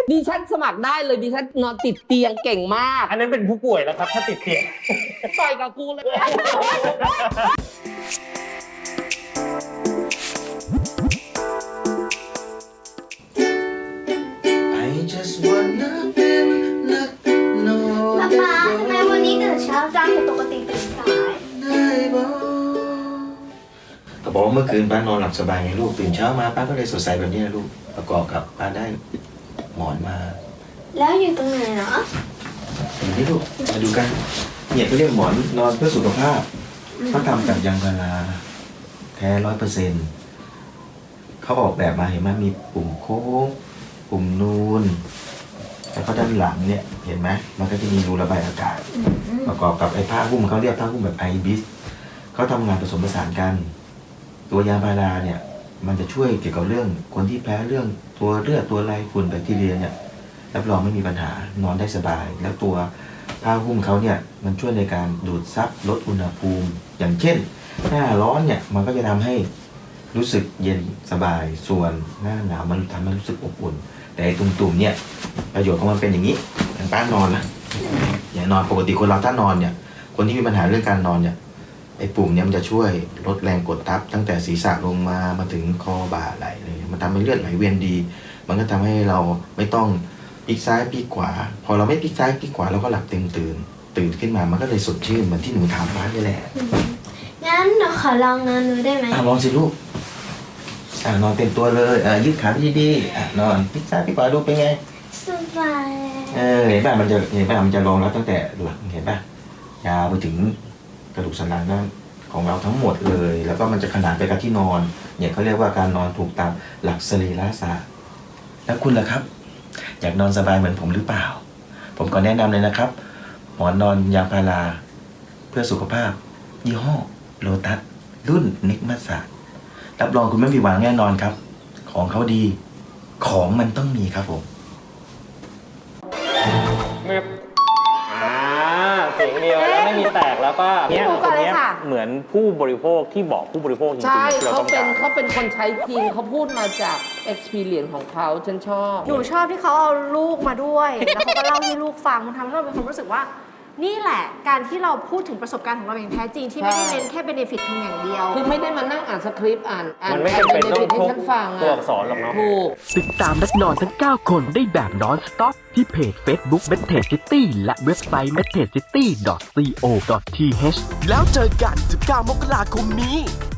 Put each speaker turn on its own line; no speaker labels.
ดิฉันสมัครได้เลยดิฉันนอนติดเตียงเก่งมาก
อันนั้นเป็นผู้ป่วยแล้วครับถ้าติดเตียง
ต่อยกับกูเลย
I just wanna เป็นนักนอน
ป๊าทำไมวันนี้ตื่นเช้าจังปกติตื่นสาย
ได้บ่ก็บอกว่าเมื่อคืนป้านอนหลับสบายไงลูกตื่นเช้ามาป้าก็เลยสดใสแบบนี้นะลูกประกอบกับป้าได้หมอนมา
แล้วอยู่ตรงไหนเนาะ
อย่างนี้ลูกมาดูกันเนี่ยเขาเรียกหมอนนอนเพื่อสุขภาพเขาทำจากยางพาราแท้100%เขาออกแบบมาเห็นไหมมีปุ่มโค้งปุ่มนูนแล้วก็ด้านหลังเนี่ยเห็นไหมมันก็จะมีรูระบายอากาศประกอบกับไอ้ผ้าหุ้มเขาเรียกผ้าหุ้มแบบไอบิสเขาทำงานผสมผสานกันตัวยาพาราเนี่ยมันจะช่วยเกี่ยวกับเรื่องคนที่แพ้เรื่องตัวเลือดตัวไรฝุ่นแบคทีเรียเนี่ยรับรองไม่มีปัญหานอนได้สบายแล้วตัวผ้าหุ้มเขาเนี่ยมันช่วยในการดูดซับลดอุณหภูมิอย่างเช่นหน้าร้อนเนี่ยมันก็จะทำให้รู้สึกเย็นสบายส่วนหน้าหนาวมันทำให้รู้สึกอบอุ่นแต่ตุ่มๆเนี่ยประโยชน์ของมันเป็นอย่างนี้อย่างป้านอนนะอย่างนอนปกติคนเราถ้านอนเนี่ยคนที่มีปัญหาเรื่องการนอนเนี่ยไอ้ปุ่มเนี่ยมันจะช่วยลดแรงกดทับตั้งแต่ศีรษะลงมาถึงคอบ่าไหล่เลยมันทำให้เลือดไหลเวียนดี มันก็ทำให้เราไม่ต้องพลิกซ้ายพลิกขวาพอเราไม่พลิกซ้ายพลิกขวาเราก็หลับเต็มตื่นขึ้นมามันก็เลยสดชื่นเหมือนที่หนูถามป้านี่แหละ
งั้นหนูขอลองนอนดูได้ไหม
ลองสิลูกนอนเต็มตัวเลยยืดขาดีๆนอนพลิกซ้ายพลิกขวาดูเป็นไง
สบาย
เห็นป่ะมันจะลงแล้วตั้งแต่หลังเห็นป่ะยาวไปถึงกระดูกสันหลังนั่นของเราทั้งหมดเลยแล้วก็มันจะขนานไปกับที่นอนเนี่ยเขาเรียกว่าการนอนถูกตามหลักสรีระศาสตร์แล้วคุณล่ะครับอยากนอนสบายเหมือนผมหรือเปล่าผมก็แนะนำเลยนะครับหมอนนอนยางพาราเพื่อสุขภาพยี่ห้อโลตัสรุ่นนิกมัสสะรับรองคุณไม่ผิดหวังแน่นอนครับของเขาดีของมันต้องมีครับผม
เสียงเดียวแล้วไม่มีแตกแล้วก็เนี่ยคนนี้เหมือนผู้บริโภคที่บอกผู้บริโภคจริงๆ
ใช่
ที่เรา
เขา
ต้อง
เป็
กาน ร
เขาเป็นคนใช้จริงเขาพูดมาจาก experience ของเขาฉันชอบ
หนูชอบที่เขาเอาลูกมาด้วย แล้วเขาก็เล่าให้ลูกฟังมันทำให้เราเป็นความรู้สึกว่า นี่แหละการที่เราพูดถึงประสบการณ์ของเราอย่างแท้จริงที่ไม่ได้เน้นแค่เบเนฟิตเพียงอย่างเดียว
คือไม่ได้มานั่งอ่านสคริปต์อ่าน
มันไม่จำเป็นต้อง
ให้
ทุก
ฉันฟัง
ตัวอักษรหรอกเนาะ
ถูก
ติดตามนักนอนทั้ง 9 คนได้แบบนอนสต็อปที่เพจ Facebook m e t a g City และเว็บไซต์ metagecity.co.th แล้วเจอกัน 19 มกราคมนี้